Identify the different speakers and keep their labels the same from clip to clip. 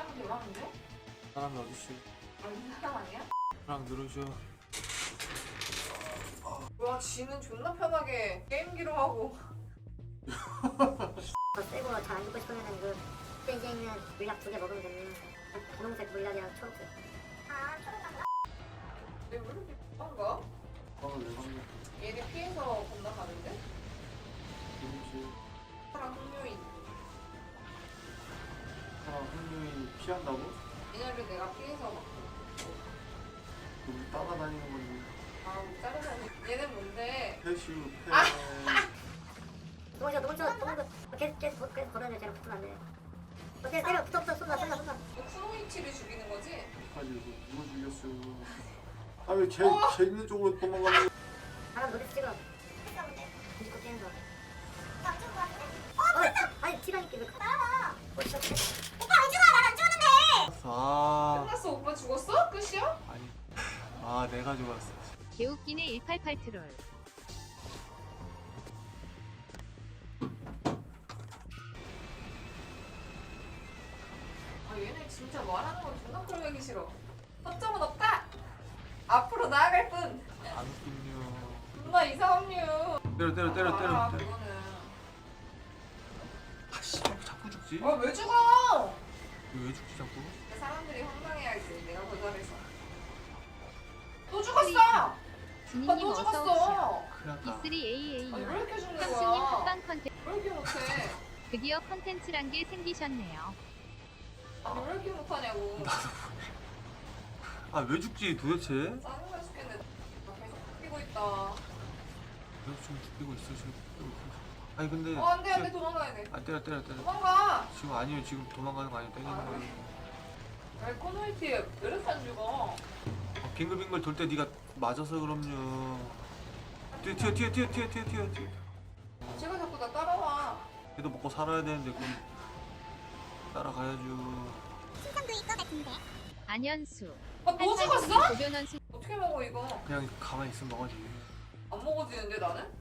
Speaker 1: 사람 들어왔는데?
Speaker 2: 사람이 어딨어?
Speaker 1: 아니 사람 아니야?
Speaker 2: 사람 누르셔.
Speaker 1: 와 지는 존나 편하게 게임기로 하고.
Speaker 3: 더 세고 잘 안 죽고 싶으면은 그 페이지에 있는 물약 2개 먹으면 되는 분홍색 물약이랑 초록색. 아 초록색.
Speaker 1: 내가 왜 이렇게 급한가?
Speaker 2: 방을 왜 방금
Speaker 1: 얘네 피해서 건너가는데?
Speaker 2: 누르지?
Speaker 1: 사람 흥료인.
Speaker 2: 사람 흥룡이 피한다고?
Speaker 1: 얘네를 내가 피해서 막.
Speaker 2: 우리 따라다니는 건데.
Speaker 1: 아 짜르다니. 얘는 뭔데?
Speaker 2: 패슈 패.
Speaker 3: 도망쳐. 계속 걸어야 돼. 쟤랑 붙으면 안 돼. 때려 붙어 쏜다.
Speaker 1: 너 쿠노이치를 죽이는 거지?
Speaker 2: 가지고 누가 죽였어? 아왜 있는 쪽으로 도망가는 거야?
Speaker 3: 사람 노래 찍어. 뒤집고 뛰는 거. 나안 죽은 거 같은데? 아니 티라니까 왜 따라와. 오빠 안 죽어. 난안 죽었는데.
Speaker 2: 아
Speaker 1: 끝났어? 오빠 죽었어? 끝이야?
Speaker 2: 아니 내가 죽었어.
Speaker 4: 개웃기네 188 트롤.
Speaker 1: 아 얘네 진짜 말하는 건 존나 꼴보기 싫어. 허점은 없다! 앞으로 나아갈 뿐!
Speaker 2: 안 웃긴요.
Speaker 1: 존나 이상한 류.
Speaker 2: 때려.
Speaker 1: 아 그거는.
Speaker 2: 아씨 자꾸 죽지?
Speaker 1: 아 왜 죽어!
Speaker 2: 왜 죽지 자꾸?
Speaker 1: 사람들이 황당해야지. 내가 더 잘해서. 또 죽었어!
Speaker 4: 진이님
Speaker 1: 또
Speaker 4: 어서
Speaker 1: 죽었어!
Speaker 4: 오십시오.
Speaker 2: 큰일 났다.
Speaker 4: B3AA
Speaker 1: 아니 왜 이렇게 죽는
Speaker 4: 형수님
Speaker 1: 거야?
Speaker 4: 합방 컨텐츠.
Speaker 1: 왜 이렇게 못해?
Speaker 4: 드디어 컨텐츠란 게 생기셨네요.
Speaker 1: 아니 왜 이렇게 못하냐고.
Speaker 2: 아 왜 죽지 도대체?
Speaker 1: 짜증나 죽겠네. 나 계속 뛰고 있다.
Speaker 2: 왜 지금 죽이고 있어 지금. 아니 근데.
Speaker 1: 안돼 도망가야 돼.
Speaker 2: 아 때려.
Speaker 1: 도망가!
Speaker 2: 지금 아니에요 지금 도망가는 거 아니에요 때리는 거예요.
Speaker 1: 왜 코노이티 왜 이렇게 안 죽어?
Speaker 2: 빙글빙글 돌 때 네가 맞아서 그럼요. 뛰어.
Speaker 1: 제가 자꾸 나 따라와.
Speaker 2: 걔도 먹고 살아야 되는데 그럼 따라가야죠.
Speaker 3: 신상도 있을 것 같은데.
Speaker 4: 안현수.
Speaker 1: 아또 죽었어?
Speaker 4: 고변원수.
Speaker 1: 어떻게 먹어 이거?
Speaker 2: 그냥 가만히 있으면 먹어야지.
Speaker 1: 안 먹어지는데 나는?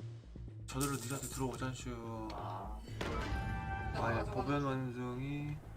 Speaker 2: 저절로 니한테 들어오잖슈.
Speaker 1: 아.
Speaker 2: 아야 보변 완성이